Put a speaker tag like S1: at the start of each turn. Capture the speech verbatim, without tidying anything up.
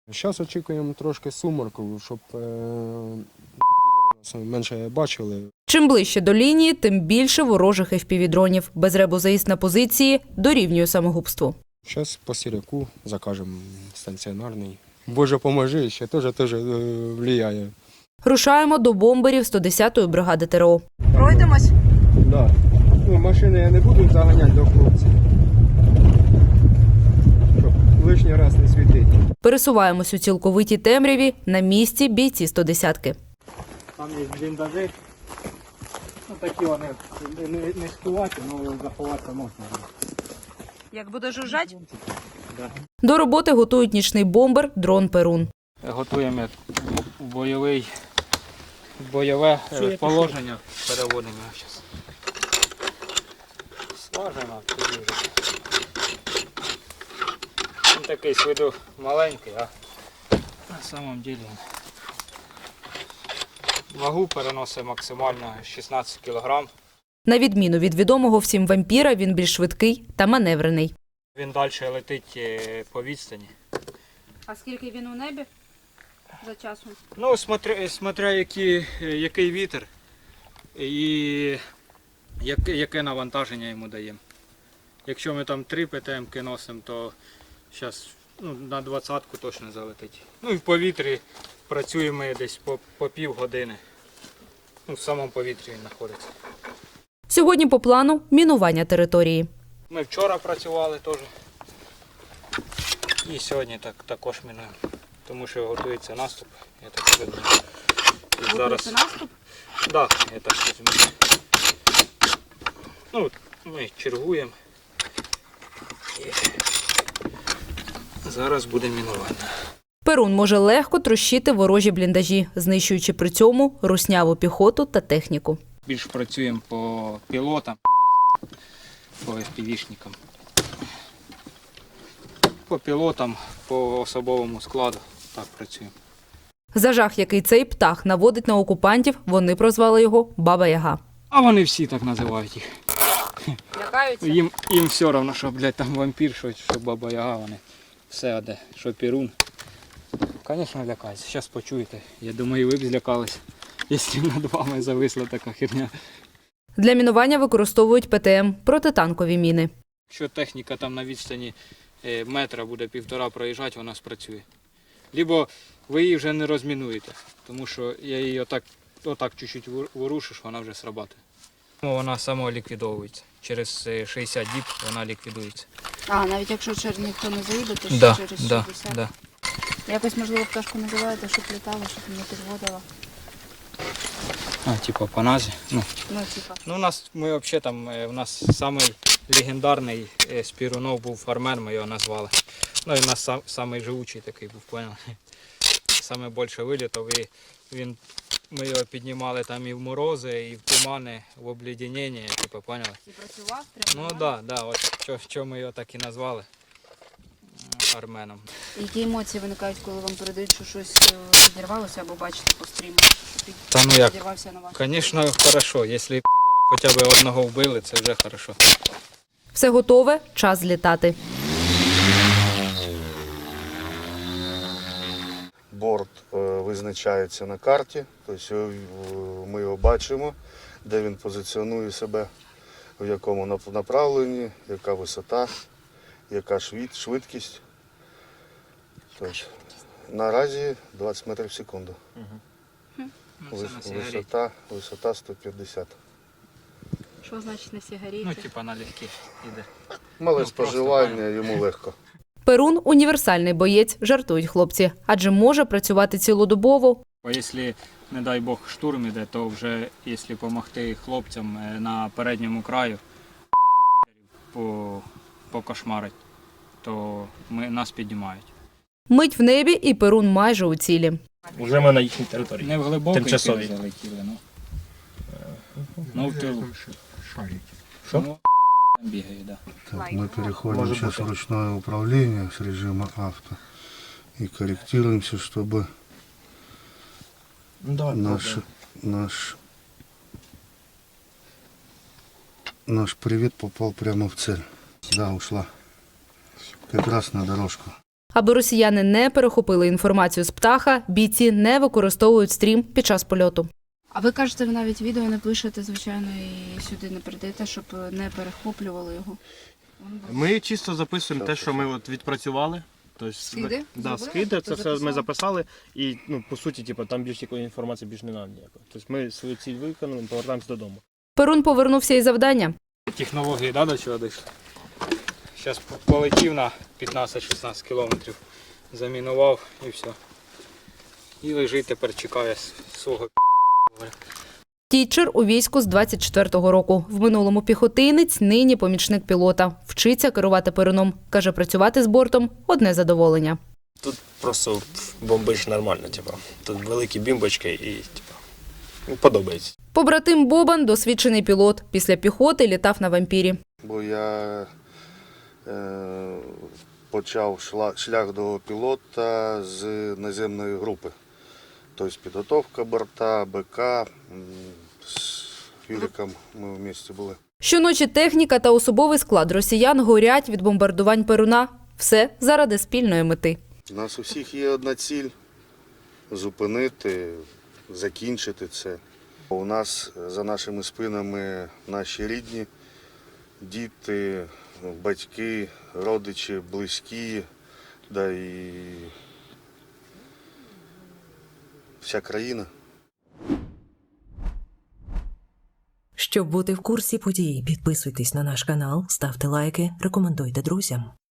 S1: Зараз очікуємо трошки сумерку, щоб е нас менше бачили.
S2: Чим ближче до лінії, тим більше ворожих еф пі ві-дронів. Без ребу заїзд на позиції дорівнює самогубству.
S1: Зараз по Сіряку закажемо станціонарний. Боже, поможи, ще теж теж впливає.
S2: Рушаємо до бомберів сто десятої бригади те ер о.
S3: Пройдемось?
S1: Да. Ну, машини я не буду заганяти до хлопців, щоб лишній раз не світити.
S2: Пересуваємось у цілковитій темряві, на місці бійці сто десятки.
S4: Там є бліндажі, ну такі вони не, не сховати, але заховатися можна.
S3: Як буде жужжать?
S4: Да.
S2: До роботи готують нічний бомбер дрон «Перун».
S4: Готуємо бойовий, бойове положення, переводимо зараз. Смажимо. Він такий з виду маленький, а на самом деле вагу переносить максимально шістнадцять кілограм.
S2: На відміну від відомого всім вампіра, він більш швидкий та маневрений.
S4: Він далі летить по відстані.
S3: А скільки він у небі за часом?
S4: Ну, смотря, смотря який, який вітер і яке, яке навантаження йому даємо. Якщо ми там три пе те емки носимо, то зараз ну, на двадцятку точно залетить. Ну і в повітрі працюємо десь по, по пів години. Ну, в самому повітрі він знаходиться.
S2: Сьогодні по плану – мінування території.
S4: Ми вчора працювали теж. І сьогодні так, також мінуємо. Тому що готується наступ. Я так розумію. І зараз...
S3: наступ?
S4: Так, да, я так розумію. Ну, ми чергуємо. І зараз буде мінування.
S2: «Перун» може легко трощити ворожі бліндажі, знищуючи при цьому русняву піхоту та техніку.
S4: Більш працюємо по пілотам, по еф пі ві-шникам. По пілотам, по особовому складу так працюємо.
S2: За жах, який цей птах наводить на окупантів, вони прозвали його «Баба-Яга».
S4: А вони всі так називають їх.
S3: Лякаються?
S4: Їм, їм все одно, що, блядь, там вампір, що, що Баба-Яга, вони все одне, що Перун. Звісно, лякаються. Зараз почуєте. Я думаю, ви б злякались, якщо над вами зависла така херня.
S2: Для мінування використовують пе те ем – протитанкові міни.
S4: Якщо техніка там на відстані метра буде півтора проїжджати, вона спрацює. Либо ви її вже не розмінуєте, тому що я її отак, отак чуть-чуть ворушиш, вона вже срабатує. Вона самоліквідовується. Через шістдесят діб вона ліквідується.
S3: А, навіть якщо через ніхто не заїде, то ще
S4: Да,
S3: через
S4: да,
S3: шістдесят?
S4: да.
S3: Якось, можливо, пташку називаєте, щоб літала, щоб не підводила?
S4: А, типу по назі. Ну,
S3: Ну, типа.
S4: ну, у нас, ми взагалі там, у нас самий легендарний з Перунов був фармер, ми його назвали. Ну, і у нас сам, самий живучий такий був, понял? Саме більше вилітав, і він, ми його піднімали там і в морози, і в тумани, в обледенення, типу, поняли?
S3: І працював прямо?
S4: Ну так, да, да, от що, що ми його так і назвали арменом.
S3: Які емоції виникають, коли вам передають, що щось підірвалося або бачите по стріму? Що
S4: Та ну як,
S3: підірвався на вас?
S4: звісно, хорошо, якщо хоча б одного вбили, це вже хорошо.
S2: Все готове, час злітати.
S5: Борт е, визначається на карті, тобто е, ми його бачимо, де він позиціонує себе, в якому нап- направленні, яка висота, яка швид- швидкість. Тобто, наразі двадцять метрів в секунду. Вис- висота, висота сто п'ятдесят.
S3: Що значить на сигареті?
S4: Ну, типа налегке іде.
S5: Мале
S4: Ну,
S5: споживання, йому легко.
S2: «Перун» – універсальний боєць, жартують хлопці, адже може працювати цілодобово.
S4: Бо якщо, не дай Бог, штурм іде, то вже, якщо допомогти хлопцям на передньому краю по, покошмарить, то ми, нас піднімають.
S2: Мить в небі і «Перун» майже у цілі.
S6: Уже ми на їхній території.
S4: Не в глибокий
S6: Тимчасові.
S4: тил залетіли, ну. Ну, в тилу.
S6: Що?
S4: Ну, там бігають, да.
S5: Так, мы переходим
S6: Может
S5: сейчас
S6: быть.
S5: в ручное управление с режима авто и корректируемся, чтобы
S6: Ну, давай,
S5: наш, наш, наш привет попал прямо в цель. Да, ушла. Как раз на дорожку.
S2: Аби росіяни не перехопили інформацію з птаха, бійці не використовують стрім під час польоту.
S3: А ви кажете, ви навіть відео не пишете, звичайно, і сюди не передаєте, щоб не перехоплювали його.
S7: Ми чисто записуємо те, що ми от відпрацювали. Тобто,
S3: Скиди?
S7: Да,
S3: Зробили?
S7: скиди, це все ми
S3: Записали?
S7: записали. І, ну, по суті, типу, там більш якої інформації більш не нам ніякої. Тобто ми свою ціль виконали, повертаємося додому.
S2: Перун повернувся із завдання.
S4: Технології, да, до чого дійшли? Зараз полетів на п'ятнадцять-шістнадцять кілометрів, замінував і все. І лежить тепер, чекає свого пі***.
S2: Тітчер у війську з двадцять четвертого року. В минулому піхотинець, нині помічник пілота. Вчиться керувати перуном. Каже, працювати з бортом – одне задоволення.
S6: Тут просто бомбиш нормально, типу. Тут великі бімбочки і типу, ну, подобається.
S2: Побратим Бобан – досвідчений пілот. Після піхоти літав на «Вампірі».
S5: Бо я е, почав шла- шлях до пілота з наземної групи. Тобто підготовка борта, БК, м, з Юриком ми в місті були.
S2: Щоночі техніка та особовий склад росіян горять від бомбардувань Перуна. Все заради спільної мети.
S5: У нас у всіх є одна ціль – зупинити, закінчити це. У нас за нашими спинами наші рідні, діти, батьки, родичі, близькі, да і вся країна.
S8: Щоб бути в курсі подій, підписуйтесь на наш канал, ставте лайки, рекомендуйте друзям.